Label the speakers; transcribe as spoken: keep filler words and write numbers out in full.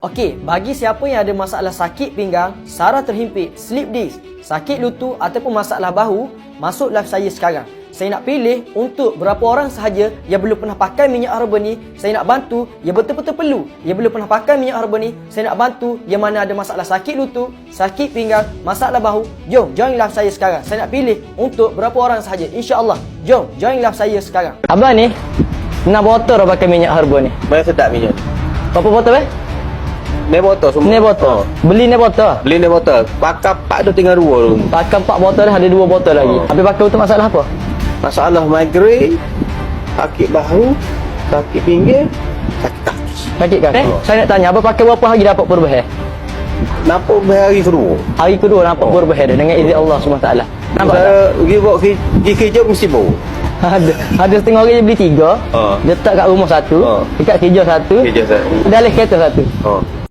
Speaker 1: Okey, bagi siapa yang ada masalah sakit pinggang, saraf terhimpit, slip disc, sakit lutut ataupun masalah bahu, masuk live saya sekarang. Saya nak pilih untuk berapa orang sahaja yang belum pernah pakai minyak herba ni. Saya nak bantu yang betul-betul perlu, yang belum pernah pakai minyak herba ni. Saya nak bantu yang mana ada masalah sakit lutut, sakit pinggang, masalah bahu. Jom join live saya sekarang. Saya nak pilih untuk berapa orang sahaja, insya-Allah. Jom join live saya sekarang. Abang ni nak botol dah pakai minyak herba ni.
Speaker 2: Mana sedap minyak?
Speaker 1: Berapa botol eh?
Speaker 2: Ni botol semua.
Speaker 1: Ni botol. Beli ni botol.
Speaker 2: Beli ni botol. Pakai empat tu tinggal dua tu.
Speaker 1: Pakai empat botol dah ada dua botol lagi.
Speaker 2: Oh.
Speaker 1: Habis pakai untuk masalah apa?
Speaker 2: Masalah migrain, sakit bahu, sakit pinggir, sakit kaki.
Speaker 1: Sakit kaki. Eh,
Speaker 2: Oh.
Speaker 1: saya nak tanya, abang pakai berapa hari dapat perubahan?
Speaker 2: Nampak hari kedua.
Speaker 1: Hari kedua nampak
Speaker 2: Oh.
Speaker 1: perubahan dia dengan izin Allah subhanahu wa taala. Nampak tak?
Speaker 2: Saya pergi buat kerja, pergi kerja mesti bau.
Speaker 1: Ada ada setengah orang yang beli tiga.
Speaker 2: Oh.
Speaker 1: Letak kat rumah satu,
Speaker 2: Oh.
Speaker 1: dekat kerja satu,
Speaker 2: Kerja saya.
Speaker 1: dalam kereta satu.
Speaker 2: Oh.